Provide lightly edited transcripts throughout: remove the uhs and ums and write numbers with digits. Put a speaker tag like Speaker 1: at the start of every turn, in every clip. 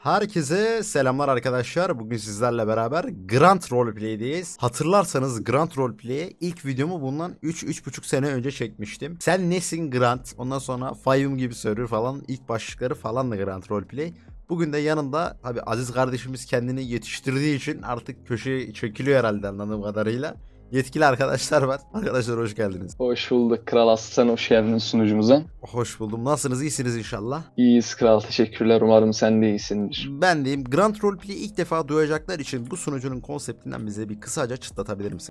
Speaker 1: Herkese selamlar arkadaşlar. Bugün sizlerle beraber Grand Roleplay'deyiz. Hatırlarsanız Grand Roleplay'e ilk videomu bundan 3-3,5 sene önce çekmiştim. Sen nesin Grand? Ondan sonra Fayyum gibi server falan ilk başlıkları falan da Grand Roleplay. Bugün de yanında tabi Aziz kardeşimiz kendini yetiştirdiği için artık köşeye çekiliyor herhalde anladığım kadarıyla. Yetkili arkadaşlar var. Arkadaşlar hoş geldiniz.
Speaker 2: Hoş bulduk Kral Aslan, hoş geldin sunucumuza.
Speaker 1: Hoş buldum. Nasılsınız? İyisiniz inşallah.
Speaker 2: İyiyiz Kral, teşekkürler. Umarım sen de iyisindir.
Speaker 1: Ben diyeyim. Grand Roleplay'i ilk defa duyacaklar için bu sunucunun konseptinden bize bir kısaca çıtlatabilir misin?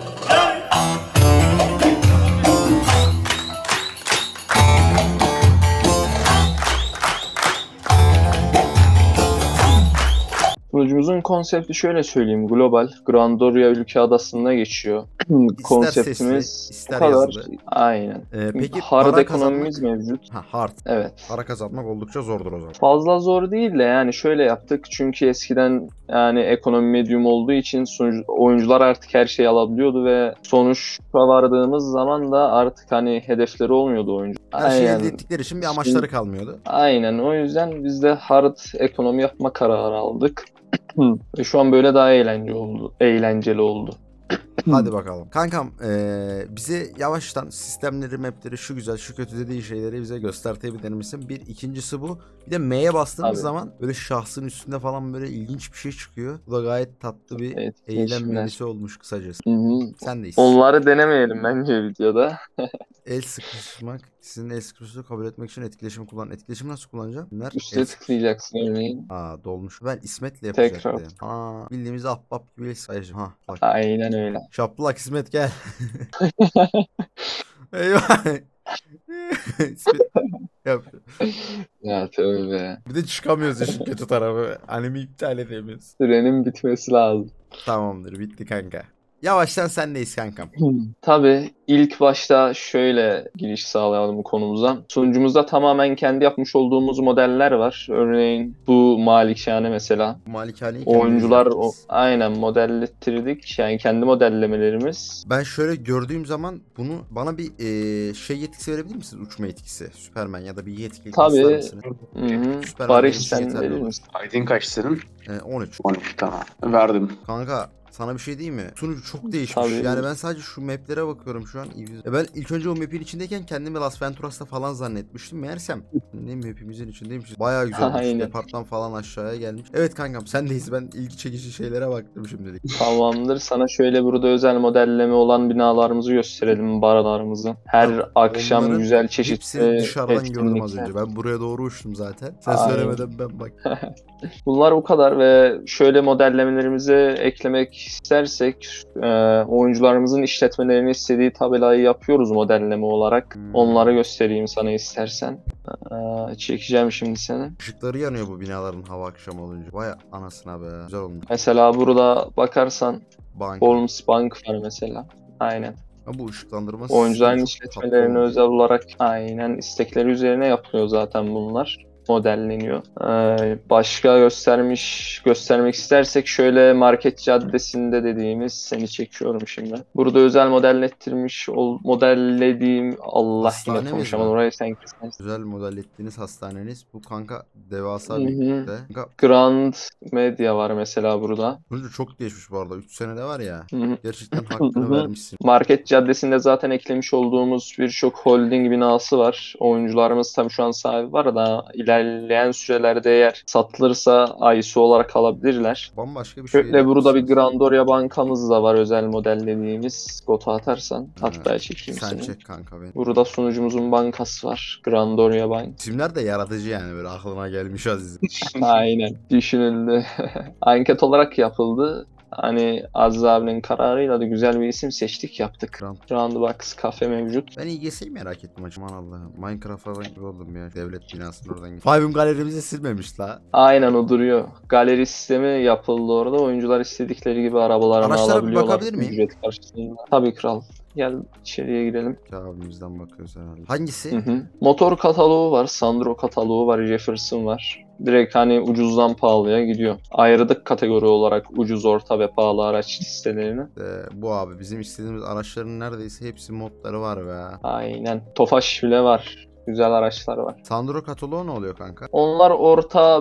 Speaker 2: Sunucumuzun konsepti şöyle söyleyeyim. Global, Grandoria ülke adasında geçiyor.
Speaker 1: İster
Speaker 2: Konseptimiz
Speaker 1: sesli,
Speaker 2: bu
Speaker 1: ister
Speaker 2: kadar.
Speaker 1: yazılı.
Speaker 2: Aynen.
Speaker 1: Peki
Speaker 2: Hard
Speaker 1: para
Speaker 2: ekonomimiz
Speaker 1: kazanmak...
Speaker 2: mevcut.
Speaker 1: Hard.
Speaker 2: Evet.
Speaker 1: Para kazanmak oldukça zordur o zaman.
Speaker 2: Fazla zor değil de yani şöyle yaptık. Çünkü eskiden yani ekonomi medium olduğu için oyuncular artık her şeyi alabiliyordu ve sonuçta vardığımız zaman da artık hani hedefleri olmuyordu oyuncu.
Speaker 1: Her şeyi elde ettikleri için bir amaçları kalmıyordu.
Speaker 2: Aynen, o yüzden biz de hard ekonomi yapma kararı aldık. Ve şu an böyle daha eğlenceli oldu.
Speaker 1: Hadi bakalım. Kankam bize yavaştan sistemleri, mapleri, şu güzel, şu kötü dediği şeyleri bize göstertebilir misin? Bir. İkincisi bu. Bir de M'ye bastığımız
Speaker 2: Abi.
Speaker 1: zaman böyle şahsın üstünde falan böyle ilginç bir şey çıkıyor. Bu da gayet tatlı bir
Speaker 2: Evet,
Speaker 1: eylem
Speaker 2: keşifler.
Speaker 1: menüsü olmuş kısacası.
Speaker 2: Hı-hı.
Speaker 1: Sen deyiz.
Speaker 2: Onları denemeyelim bence videoda.
Speaker 1: El sıkışmak. Sizin el sıkışıklığı kabul etmek için etkileşimi kullan. Etkileşimi nasıl kullanacağım? Bunlar
Speaker 2: Üste tıklayacaksın örneğin.
Speaker 1: Aa dolmuş. Ben İsmet'le
Speaker 2: Tekrar.
Speaker 1: yapacaktım. Aa bildiğimiz ahbap gibi el sıkışım. Ha bak.
Speaker 2: Aynen öyle.
Speaker 1: Şaplak İsmet gel. Eyvah. İsmet yap.
Speaker 2: Ya tövbe.
Speaker 1: Bir de çıkamıyoruz işin kötü tarafı. Animi iptal edemiyoruz.
Speaker 2: Sürenin bitmesi lazım.
Speaker 1: Tamamdır bitti kanka. Yavaştan sendeyiz kankam.
Speaker 2: Tabii ilk başta şöyle giriş sağlayalım bu konumuza. Sunucumuzda tamamen kendi yapmış olduğumuz modeller var. Örneğin bu Malikşane mesela.
Speaker 1: Bu malikaneyi
Speaker 2: Oyuncular
Speaker 1: kendimiz yapacağız.
Speaker 2: aynen modellettirdik. Yani kendi modellemelerimiz.
Speaker 1: Ben şöyle gördüğüm zaman bunu bana bir şey yetkisi verebilir misiniz? Uçma yetkisi. Süpermen ya da bir yetki ister
Speaker 2: Tabii.
Speaker 1: misiniz?
Speaker 2: Hı-hı.
Speaker 1: Süpermen
Speaker 2: Barış
Speaker 1: benim için
Speaker 2: sen
Speaker 1: yeterli
Speaker 2: verir
Speaker 1: olur.
Speaker 2: misin?
Speaker 3: Aydın kaç senin?
Speaker 1: 13.
Speaker 3: 12 tamam. Verdim.
Speaker 1: Kanka sana bir şey diyeyim mi? Sunucu çok değişmiş.
Speaker 2: Tabii.
Speaker 1: Yani ben sadece şu maplere bakıyorum şu an. Ben ilk önce o map'in içindeyken kendimi Las Venturas'ta falan zannetmiştim. Meğersem ne map'imizin içindeymiş. Bayağı güzel olmuş.
Speaker 2: Aynen.
Speaker 1: Departman falan aşağıya gelmiş. Evet kankam sendeyiz. Ben ilgi çekici şeylere baktım şimdilik.
Speaker 2: Tamamdır. Sana şöyle burada özel modelleme olan binalarımızı gösterelim, baralarımızı. Her
Speaker 1: Abi,
Speaker 2: akşam
Speaker 1: onların
Speaker 2: güzel
Speaker 1: hepsini
Speaker 2: çeşitli
Speaker 1: dışarıdan gördüm az
Speaker 2: etkinlikler.
Speaker 1: önce. Ben buraya doğru uçtum zaten. Sen
Speaker 2: Aynen.
Speaker 1: söylemeden ben bak.
Speaker 2: Bunlar bu kadar ve şöyle modellemelerimizi eklemek istersek oyuncularımızın işletmelerini istediği tabelayı yapıyoruz modelleme olarak. Onları göstereyim sana istersen. Çekeceğim şimdi seni.
Speaker 1: Işıkları yanıyor bu binaların hava akşam olunca. Vay anasına be. Güzel olmuş.
Speaker 2: Mesela burada bakarsan
Speaker 1: Banka.
Speaker 2: Holmes Bank var mesela. Aynen.
Speaker 1: Ha, bu ışıklandırma
Speaker 2: Oyuncuların
Speaker 1: sistemi çok tatlı
Speaker 2: işletmelerine
Speaker 1: olmuş.
Speaker 2: özel olarak aynen istekleri üzerine yapılıyor zaten bunlar. Modelleniyor. Başka göstermek istersek şöyle Market Caddesi'nde dediğimiz seni çekiyorum şimdi. Burada özel modellediğim Allah
Speaker 1: Hastane
Speaker 2: yine
Speaker 1: mi
Speaker 2: konuşamadım
Speaker 1: var?
Speaker 2: orayı sen kesersin.
Speaker 1: Güzel model ettiğiniz hastaneniz. Bu kanka devasa
Speaker 2: Hı hı.
Speaker 1: büyüklükte. Kanka
Speaker 2: Grand Media var mesela burada.
Speaker 1: sonucu çok geçmiş bu arada. 3 senede var ya.
Speaker 2: Hı hı.
Speaker 1: Gerçekten
Speaker 2: Hı
Speaker 1: hakkını
Speaker 2: hı.
Speaker 1: vermişsin.
Speaker 2: Market Caddesi'nde zaten eklemiş olduğumuz birçok holding binası var. Oyuncularımız tabii şu an sahibi var da ilerleyen sürelerde eğer satılırsa ISO olarak alabilirler.
Speaker 1: Bambaşka bir şey
Speaker 2: Şöyle burada bir
Speaker 1: yapmışsınız.
Speaker 2: Grandoria bankamız da var özel modellediğimiz. Goto atarsan hatta çekeyim
Speaker 1: Sen
Speaker 2: seni.
Speaker 1: çek kanka beni.
Speaker 2: Burada sunucumuzun bankası var. Grandoria Bank.
Speaker 1: İsimler de yaratıcı yani böyle aklına gelmiş Aziz.
Speaker 2: Aynen. Düşünüldü. Anket olarak yapıldı. Hani Aziz abinin kararıyla da güzel bir isim seçtik yaptık. Roundbox kafe mevcut.
Speaker 1: Ben İGS'yi merak ettim acım Allah'ım. Minecraft'a gibi oldum ya. Devlet binasının oradan gidiyor. Five'ın galerimizi silmemiş la.
Speaker 2: Aynen o duruyor. Galeri sistemi yapıldı orada. Oyuncular istedikleri gibi arabalarını
Speaker 1: Araçlara bir
Speaker 2: alabiliyorlar.
Speaker 1: bakabilir miyim?
Speaker 2: Ücret karşılığında. Tabii kral. Gel içeriye girelim.
Speaker 1: Abimizden bakıyoruz herhalde. Hangisi?
Speaker 2: Hı hı. Motor kataloğu var. Sandro kataloğu var. Jefferson var. Direkt hani ucuzdan pahalıya gidiyor. Ayırdık kategori olarak ucuz, orta ve pahalı araç listelerini.
Speaker 1: Bu abi bizim istediğimiz araçların neredeyse hepsi modları var be.
Speaker 2: Aynen. Tofaş bile var. Güzel araçlar var.
Speaker 1: Sandro kataloğu ne oluyor kanka?
Speaker 2: Onlar orta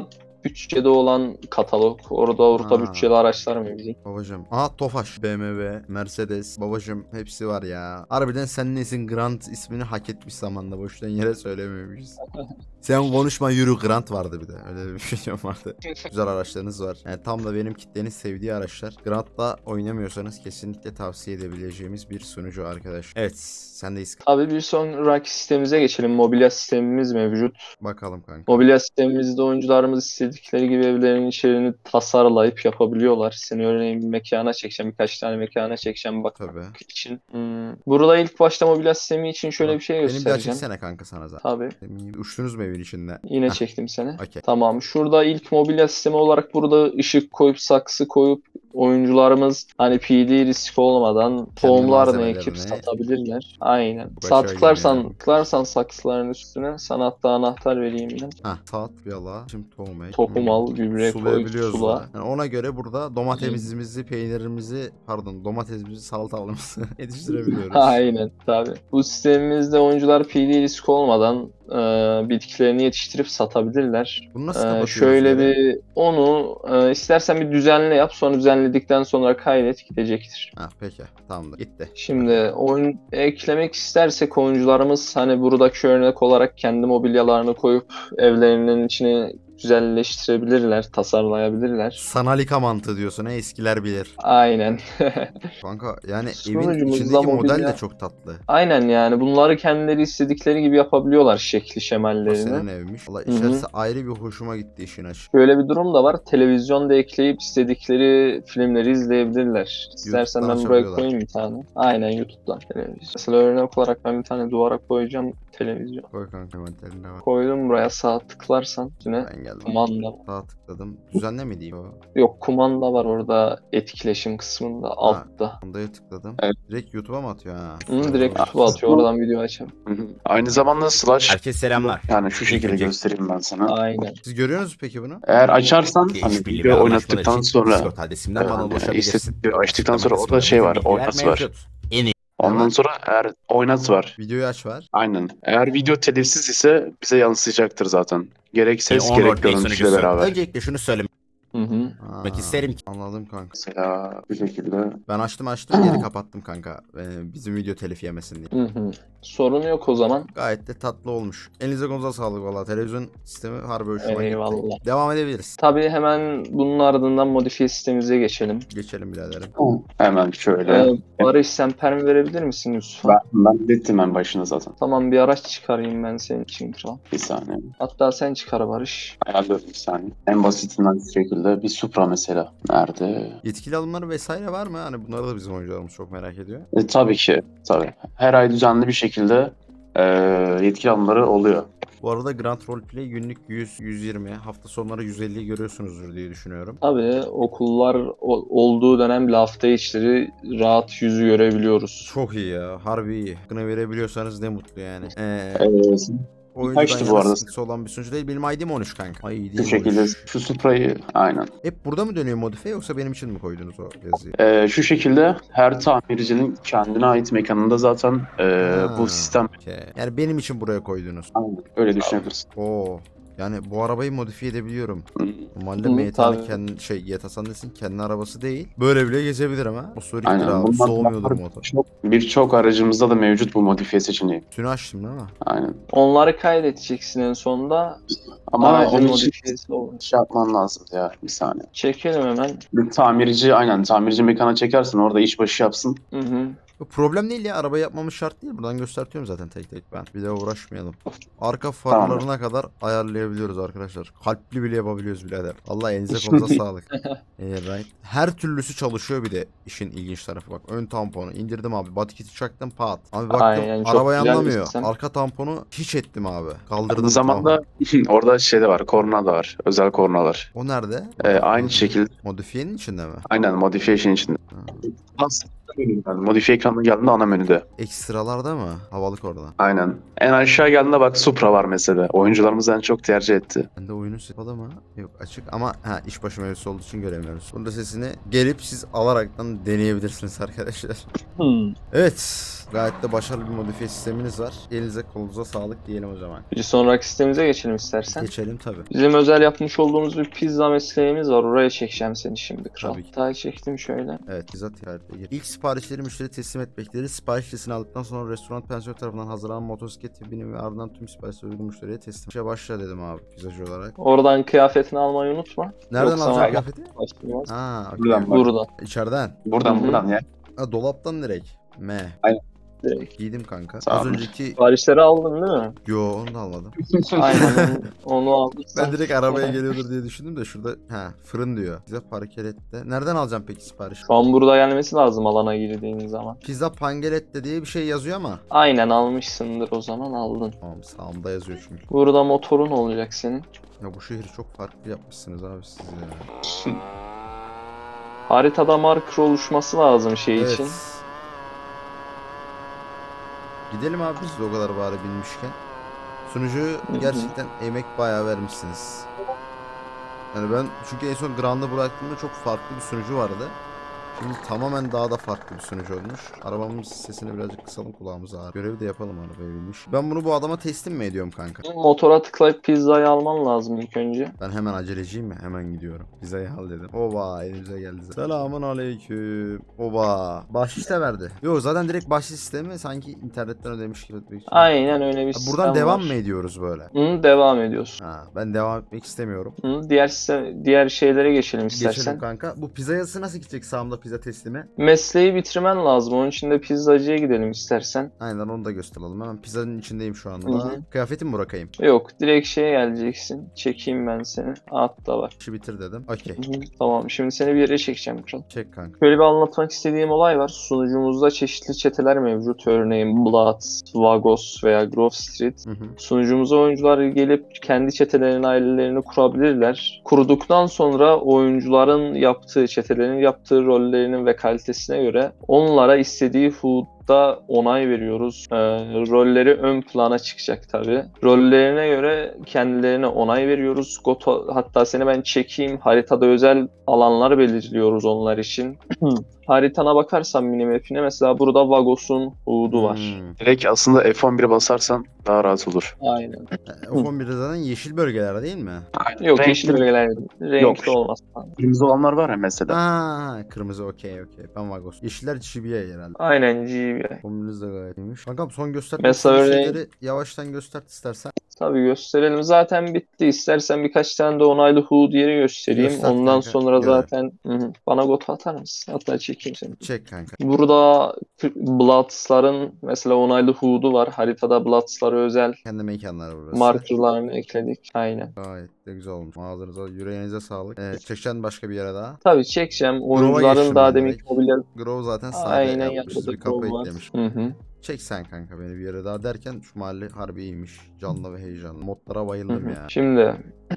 Speaker 2: bütçede olan katalog. Orada orta
Speaker 1: Ha.
Speaker 2: bütçeli araçlar mevcut.
Speaker 1: Babacım. Aha Tofaş, BMW, Mercedes. Babacım hepsi var ya. Harbiden sen nesin Grant ismini hak etmiş zamanda. Boşuna yere söylememişiz. Sen konuşma yürü Grant vardı bir de. Öyle bir video vardı. Güzel araçlarınız var. Yani tam da benim kitlenin sevdiği araçlar. Grant'la oynamıyorsanız kesinlikle tavsiye edebileceğimiz bir sunucu arkadaş. Evet sendeyiz.
Speaker 2: Tabii bir sonraki sistemimize geçelim. Mobilya sistemimiz mevcut.
Speaker 1: Bakalım kanka.
Speaker 2: Mobilya sistemimizde oyuncularımız istedikleri gibi evlerin içeriğini tasarlayıp yapabiliyorlar. Seni örneğin bir mekana çekeceğim, birkaç tane mekana çekeceğim bak
Speaker 1: Tabii.
Speaker 2: için. Burada ilk başta mobilya sistemi için şöyle bir şey
Speaker 1: Benim bir
Speaker 2: göstereceğim.
Speaker 1: açıksana kanka sana zaten.
Speaker 2: Tabii.
Speaker 1: Uçtunuz mu evin içinde?
Speaker 2: Yine
Speaker 1: Heh,
Speaker 2: çektim seni.
Speaker 1: okey.
Speaker 2: Tamam. Şurada ilk mobilya sistemi olarak burada ışık koyup saksı koyup oyuncularımız hani PD riski olmadan tohumlarını ekip
Speaker 1: malzemelerini-
Speaker 2: satabilirler. Aynen.
Speaker 1: Başa
Speaker 2: Sağ
Speaker 1: geliyor
Speaker 2: tıklarsan,
Speaker 1: yani.
Speaker 2: tıklarsan saksıların üstüne sana hatta anahtar vereyim ben.
Speaker 1: Hah saat yala. Şimdi tohum ek.
Speaker 2: Tohum al, gübre koy,
Speaker 1: Sulayabiliyoruz
Speaker 2: sula.
Speaker 1: da. Yani ona göre burada domatesimizi, peynirimizi, pardon domatesimizi, salatalığımızı yetiştirebiliyoruz.
Speaker 2: Aynen tabii. Bu sistemimizde oyuncular PD risk olmadan bitkilerini yetiştirip satabilirler.
Speaker 1: Bunu nasıl kapatıyoruz
Speaker 2: Şöyle
Speaker 1: böyle?
Speaker 2: bir onu istersen bir düzenle yap, sonra düzenledikten sonra kaydet, gidecektir.
Speaker 1: Ha peki tamamdır gitti.
Speaker 2: Şimdi oyun eklemek istersek oyuncularımız hani buradaki örnek olarak kendi mobilyalarını koyup evlerinin içine güzelleştirebilirler, tasarlayabilirler.
Speaker 1: Sanalika mantığı diyorsun ha eskiler bilir.
Speaker 2: Aynen.
Speaker 1: Kanka yani evin
Speaker 2: Sunucumuzda
Speaker 1: içindeki model
Speaker 2: mobilya-
Speaker 1: de çok tatlı.
Speaker 2: Aynen yani bunları kendileri istedikleri gibi yapabiliyorlar şekli
Speaker 1: O
Speaker 2: şemallerini.
Speaker 1: senin evmiş. Valla
Speaker 2: Hı hı.
Speaker 1: içerisi ayrı bir hoşuma gitti işin açık.
Speaker 2: Şöyle bir durum da var. Televizyonda ekleyip istedikleri filmleri izleyebilirler. İstersen
Speaker 1: YouTube'dan
Speaker 2: ben buraya
Speaker 1: açabiliyorlar.
Speaker 2: koyayım bir tane. Aynen YouTube'dan televizyon. Mesela örnek olarak ben bir tane duvara koyacağım televizyon.
Speaker 1: Koy kanka mentalinde var.
Speaker 2: Koydum buraya sağ tıklarsan üstüne
Speaker 1: Ben geldim.
Speaker 2: kumanda.
Speaker 1: Sağa tıkladım. Düzenle mi diyeyim?
Speaker 2: Yok kumanda var orada etkileşim kısmında altta.
Speaker 1: Ondaya tıkladım.
Speaker 3: Evet.
Speaker 1: Direkt YouTube'a mı atıyor ha?
Speaker 2: Direkt YouTube'a atıyor oradan video açalım.
Speaker 3: Hı hı. Aynı zamanda slash
Speaker 1: Herkese selamlar.
Speaker 3: yani şu şekilde
Speaker 1: Önce-
Speaker 3: göstereyim ben sana.
Speaker 2: Aynen.
Speaker 1: Siz görüyorsunuz peki bunu?
Speaker 3: Eğer açarsan
Speaker 1: Ki
Speaker 3: hani
Speaker 1: işbirliği ve
Speaker 3: video
Speaker 1: anlaşmalar
Speaker 3: oynattıktan
Speaker 1: için
Speaker 3: sonra
Speaker 1: Discord adresimden bana ulaşabilirsin.
Speaker 3: istediği açtıktan sonra
Speaker 1: Açıklama
Speaker 3: orada şey var,
Speaker 1: kısmında
Speaker 3: oynat
Speaker 1: bilgiler
Speaker 3: var.
Speaker 1: mevcut. En iyi.
Speaker 3: Ondan
Speaker 1: var?
Speaker 3: sonra eğer oynat var.
Speaker 1: Videoyu aç var.
Speaker 3: Aynen. Eğer video telifsiz ise bize yansıyacaktır zaten. Gerek ses
Speaker 1: On
Speaker 3: gerek
Speaker 1: roleplay
Speaker 3: görüntüyle
Speaker 1: sunucusu.
Speaker 3: beraber.
Speaker 1: Öncelikle şunu söylemek
Speaker 2: Hı hı.
Speaker 1: isterim ki. Anladım kanka.
Speaker 3: Mesela bu şekilde.
Speaker 1: Ben açtım geri kapattım kanka. Bizim video telif yemesin diye.
Speaker 2: Hı hı. Sorun yok o zaman.
Speaker 1: Gayet de tatlı olmuş. Elinize konuza sağlık valla. Televizyon sistemi harbi hoşuma
Speaker 2: Eyvallah.
Speaker 1: gitti. Devam edebiliriz.
Speaker 2: Tabii hemen bunun ardından modifiye sistemimize geçelim.
Speaker 1: Geçelim biraderim.
Speaker 3: Hemen şöyle.
Speaker 2: Barış sen permi verebilir misin Yusuf'a?
Speaker 3: Ben dedim en başına zaten.
Speaker 2: Tamam bir araç çıkarayım ben senin için kral.
Speaker 3: Bir saniye.
Speaker 2: Hatta sen çıkar Barış.
Speaker 3: Ayarlıyorum bir saniye. En basitinden şu şekilde bir Supra mesela. Nerede?
Speaker 1: Yetkili alımları vesaire var mı? Hani bunları da bizim oyuncularımız çok merak ediyor.
Speaker 3: Tabii ki. Tabii. Her ay düzenli bir şekilde yetkili alımları oluyor.
Speaker 1: Bu arada Grand Roleplay günlük 100-120, hafta sonları 150'yi görüyorsunuzdur diye düşünüyorum.
Speaker 2: Tabii okullar olduğu dönem bile hafta içleri rahat yüzü görebiliyoruz.
Speaker 1: Çok iyi ya. Harbi iyi. Hakkını verebiliyorsanız ne mutlu yani.
Speaker 3: Evet.
Speaker 1: Oyuncudan
Speaker 3: kaçtı bu
Speaker 1: yana
Speaker 3: arada?
Speaker 1: sıkıntısı olan bir sunucu değil. Benim ID'm 13 kanka. Ay
Speaker 3: Bu
Speaker 1: değil
Speaker 3: şekilde şu Supra'yı aynen.
Speaker 1: Hep burada mı dönüyor modifiye yoksa benim için mi koydunuz o yazıyı?
Speaker 3: Şu şekilde her tamircinin kendine ait mekanında zaten
Speaker 1: Ha,
Speaker 3: bu sistem
Speaker 1: okey. Yani benim için buraya koydunuz.
Speaker 3: aynen, öyle düşünebilirsin.
Speaker 1: Oo. Yani bu arabayı modifiye edebiliyorum.
Speaker 3: Hı.
Speaker 1: Normalde
Speaker 2: Hı,
Speaker 1: MTA'nın
Speaker 2: tabii.
Speaker 1: kendi Yeta Sandes'in kendi arabası değil. Böyle bile gezebilirim ha. O soriktir
Speaker 3: Aynen.
Speaker 1: abi.
Speaker 3: Bundan
Speaker 1: Soğumuyordur
Speaker 3: sonra
Speaker 1: motor.
Speaker 3: birçok aracımızda da mevcut bu modifiye seçeneği.
Speaker 1: Tünü açtım değil mi?
Speaker 3: Aynen.
Speaker 2: Onları kaydedeceksin en sonunda.
Speaker 3: Ama
Speaker 2: Aracın
Speaker 3: onun için
Speaker 2: modifiyesi olur.
Speaker 3: şey yapman lazım ya bir saniye.
Speaker 2: Çekelim hemen.
Speaker 3: Bir tamirci mekana çekersin orada işbaşı yapsın.
Speaker 2: Hı hı.
Speaker 1: Bu problem değil ya. Araba yapmamız şart değil. Buradan göstertiyorum zaten tek tek ben. Bir de uğraşmayalım. Arka farlarına kadar ayarlayabiliyoruz arkadaşlar. Kalpli bile yapabiliyoruz birader. Allah elinize kolunuza sağlık. Right. Her türlüsü çalışıyor bir de işin ilginç tarafı bak. Ön tamponu indirdim abi. Body kit'i çaktım pat. Abi baktım
Speaker 2: Aynen, çok
Speaker 1: araba
Speaker 2: güzel bir
Speaker 1: yanlamıyor.
Speaker 2: sistem.
Speaker 1: Arka tamponu hiç ettim abi. Kaldırdım.
Speaker 3: Aynı zamanda orada şey de var, korna da var. Özel kornalar.
Speaker 1: O nerede?
Speaker 3: Aynı şekilde
Speaker 1: Modifiyenin içinde mi?
Speaker 3: aynen modification içinde. Aslında yani modifiye ekranına geldiğinde ana menüde.
Speaker 1: Ekstralarda mı? Havalık orada.
Speaker 3: Aynen. En aşağı geldiğinde bak Supra var mesela. Oyuncularımız en çok tercih etti.
Speaker 1: Bende oyunun kapalı mı? Yok açık ama işbaşı mevzusu olduğu için göremiyoruz. Bunda sesini gelip siz alaraktan deneyebilirsiniz arkadaşlar.
Speaker 2: Hmm.
Speaker 1: Evet. Gayet de başarılı bir modifiye sisteminiz var. Elinize kolunuza sağlık diyelim o zaman.
Speaker 2: Bir sonraki sistemimize geçelim istersen.
Speaker 1: Geçelim tabii.
Speaker 2: Bizim özel yapmış olduğumuz bir pizza mesleğimiz var. Oraya çekeceğim seni şimdi kral.
Speaker 1: Tabii ki.
Speaker 2: Daha çektim şöyle.
Speaker 1: Evet, bizzat ticarete gir. İlk siparişleri müşteri teslim etmekleri. Sipariş listesini aldıktan sonra restoran pensiyonu tarafından hazırlanan motosiklet tipini ve ardından tüm siparişleri uygun müşteriye teslim. İşe başla dedim abi pizzacı olarak.
Speaker 2: Oradan kıyafetini almayı unutma.
Speaker 1: Nereden
Speaker 2: Yoksa
Speaker 1: alacağım
Speaker 2: var-
Speaker 1: kıyafeti?
Speaker 2: Başlamaz.
Speaker 1: Ha, okey.
Speaker 3: Buradan bak.
Speaker 2: Buradan.
Speaker 1: İçeriden.
Speaker 3: Buradan
Speaker 2: Hı hı.
Speaker 3: buradan ya.
Speaker 1: Ha, dolaptan direkt. Me.
Speaker 2: Direkt.
Speaker 1: Giydim kanka.
Speaker 3: Sağ
Speaker 1: Az
Speaker 3: ol.
Speaker 1: önceki...
Speaker 2: Siparişleri aldın değil mi?
Speaker 1: Yo, onu da almadım.
Speaker 2: Aynen onu aldıysan.
Speaker 1: Ben direkt arabaya geliyordur diye düşündüm de şurada fırın diyor. Pizza parkelette. Nereden alacağım peki sipariş?
Speaker 2: Şu an burada gelmesi lazım alana girdiğin zaman.
Speaker 1: Pizza pangelette diye bir şey yazıyor ama.
Speaker 2: Aynen almışsındır o zaman aldın.
Speaker 1: Tamam, sağımda yazıyor çünkü.
Speaker 2: Burada motorun olacak senin.
Speaker 1: Ya bu şehri çok farklı yapmışsınız abi siz ya.
Speaker 2: Haritada marker oluşması lazım şey
Speaker 1: Evet.
Speaker 2: için.
Speaker 1: Gidelim abi biz de o kadar bari bilmişken. Sunucu gerçekten emek bayağı vermişsiniz. Yani ben çünkü en son Grand'ı bıraktığımda çok farklı bir sunucu vardı. Şimdi tamamen daha da farklı bir sunucu olmuş. Arabamın sesini birazcık kısalım, kulağımız ağrıyor. Görevi de yapalım arabaya binmiş. Ben bunu bu adama teslim mi ediyorum kanka?
Speaker 2: Motora tıklayıp pizzayı alman lazım ilk önce.
Speaker 1: Ben hemen aceleciyim mi? Hemen gidiyorum. Pizzayı al dedim. Oba, elimize geldi. Selamun aleyküm. Oba. Bahşiş de verdi. Yok, zaten direkt bahşiş sistemi sanki internetten ödemiş gibi.
Speaker 2: Aynen öyle bir
Speaker 1: Ha,
Speaker 2: sistem
Speaker 1: buradan devam
Speaker 2: var.
Speaker 1: mı ediyoruz böyle?
Speaker 2: Hı, devam ediyorsun.
Speaker 1: Ha, ben devam etmek istemiyorum.
Speaker 2: Hı, diğer şeylere geçelim
Speaker 1: Geçelim
Speaker 2: istersen.
Speaker 1: kanka. Bu pizza yazısı nasıl gidecek sağımda pizza teslimi?
Speaker 2: Mesleği bitirmen lazım. Onun için de pizzacıya gidelim istersen.
Speaker 1: Aynen, onu da gösterelim. Hemen pizzanın içindeyim şu anda.
Speaker 2: Hı hı.
Speaker 1: Kıyafetimi bırakayım.
Speaker 2: Yok, direkt şeye geleceksin. Çekeyim ben seni. At da var.
Speaker 1: İşi bitir dedim. Okey.
Speaker 2: Hı hı, tamam, şimdi seni bir yere çekeceğim kral.
Speaker 1: Çek kanka.
Speaker 2: Şöyle bir anlatmak istediğim olay var. Sunucumuzda çeşitli çeteler mevcut. Örneğin Blood, Vagos veya Grove Street.
Speaker 1: Hı hı.
Speaker 2: Sunucumuza oyuncular gelip kendi çetelerinin ailelerini kurabilirler. Kurduktan sonra oyuncuların yaptığı, çetelerin yaptığı rollerinin ve kalitesine göre onlara istediği HUD'da onay veriyoruz. Rolleri ön plana çıkacak tabii. Rollerine göre kendilerine onay veriyoruz. Hatta seni ben çekeyim. Haritada özel alanlar belirliyoruz onlar için. Haritana bakarsan minimap'ine mesela burada Vagos'un HUD'u var.
Speaker 3: Direkt aslında F11'e basarsan daha rahat olur.
Speaker 2: Aynen.
Speaker 1: F11'de zaten yeşil bölgeler değil mi?
Speaker 2: Yok,
Speaker 3: Renkli-
Speaker 2: yeşil bölgeler renkli
Speaker 3: Yok.
Speaker 2: olmaz.
Speaker 3: Kırmızı olanlar var ya mesela.
Speaker 1: Ha, kırmızı okey. Ben Vagos. Yeşiller GBA herhalde.
Speaker 2: Aynen GB.
Speaker 1: Kombiniz de gayet iyiymiş. Kankam son göstermek
Speaker 2: Mesela
Speaker 1: istediğin
Speaker 2: örneğin-
Speaker 1: şeyleri yavaştan göstert istersen.
Speaker 2: Tabii gösterelim. Zaten bitti. İstersen birkaç tane de onaylı HUD yeri göstereyim.
Speaker 1: Göster
Speaker 2: Ondan
Speaker 1: kanka,
Speaker 2: sonra
Speaker 1: görelim.
Speaker 2: zaten bana gotu atar mısın? Hatta çekeyim seni.
Speaker 1: Çek kanka.
Speaker 2: Burada Bloods'ların mesela onaylı HUD'u var. Haritada Bloods'lara özel
Speaker 1: Kendi mekanları burası.
Speaker 2: markerlarını ekledik. Aynen.
Speaker 1: Gayet de güzel olmuş. Ağzınıza, yüreğinize sağlık. Çekeceksin başka bir yere daha.
Speaker 2: Tabii çekeceğim.
Speaker 1: geçtim
Speaker 2: Oyuncuların daha
Speaker 1: ben
Speaker 2: demin
Speaker 1: direkt.
Speaker 2: mobilya...
Speaker 1: Grove zaten sade
Speaker 2: Aynen
Speaker 1: yapmış.
Speaker 2: yapmadık.
Speaker 1: Bir kapı
Speaker 2: olmaz.
Speaker 1: eklemiş.
Speaker 2: Hı hı.
Speaker 1: Çek sen kanka beni bir yere daha derken şu mahalle harbi iyiymiş. Canlı ve heyecanlı. Modlara bayıldım
Speaker 2: Hı hı.
Speaker 1: ya.
Speaker 2: Şimdi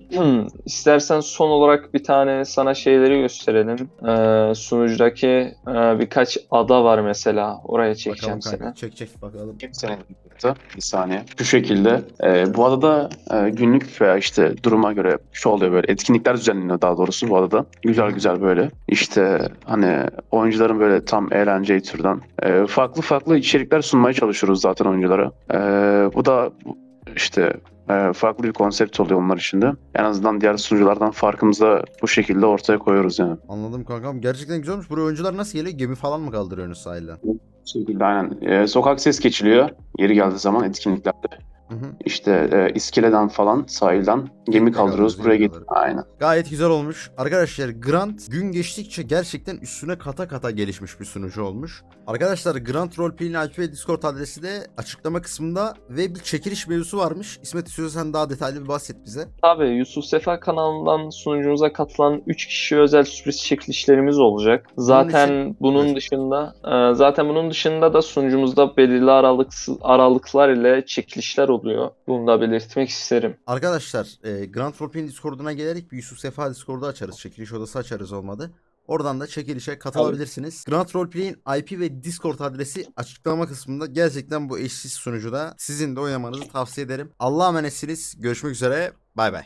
Speaker 2: istersen son olarak bir tane sana şeyleri gösterelim. Sunucudaki birkaç ada var mesela. Oraya
Speaker 1: Bakalım
Speaker 2: çekeceğim
Speaker 1: kanka.
Speaker 2: seni.
Speaker 1: Çek bakalım.
Speaker 3: Kimsenin bir saniye. Şu şekilde. Bu adada günlük veya işte duruma göre şu oluyor böyle. Etkinlikler düzenleniyor daha doğrusu bu adada. Güzel güzel böyle. İşte hani oyuncuların böyle tam eğlenceyi türden farklı farklı içerikler sunmaya çalışıyoruz zaten oyunculara. Bu da işte farklı bir konsept oluyor onlar için de. En azından diğer sunuculardan farkımızı da bu şekilde ortaya koyuyoruz yani.
Speaker 1: Anladım kankam. Gerçekten güzel olmuş. Buraya oyuncular nasıl geliyor? Gemi falan mı kaldırıyorsunuz sahilden?
Speaker 3: Bu şekilde aynen. Sokak ses geçiliyor. Yeri geldiği zaman etkinliklerde.
Speaker 1: Hı hı.
Speaker 3: İşte iskeleden falan sahilden gemi kaldırıyoruz.
Speaker 1: kaldırıyoruz,
Speaker 3: Buraya
Speaker 1: gemi
Speaker 3: git.
Speaker 1: kaldırıyoruz.
Speaker 3: Aynen.
Speaker 1: Gayet güzel olmuş. Arkadaşlar Grant gün geçtikçe gerçekten üstüne kata kata gelişmiş bir sunucu olmuş. Arkadaşlar Grant Roleplay'in IP ve Discord adresi de açıklama kısmında ve bir çekiliş mevzusu varmış. İsmet, istiyorsan sen daha detaylı bir bahset bize.
Speaker 2: Tabii Yusuf Sefa kanalından sunucumuza katılan 3 kişi özel sürpriz çekilişlerimiz olacak. Zaten bunun dışında da sunucumuzda belirli aralıklar ile çekilişler oluyor. Bunu da belirtmek isterim.
Speaker 1: Arkadaşlar Grant Roleplay'in Discord'una gelerek bir Yusuf Sefa Discord'u açarız. Çekiliş odası açarız olmadı. Oradan da çekilişe katılabilirsiniz. Grant Roleplay'in IP ve Discord adresi açıklama kısmında. Gerçekten bu eşsiz sunucuda sizin de oynamanızı tavsiye ederim. Allah'a emanetsiniz. Görüşmek üzere. Bay bay.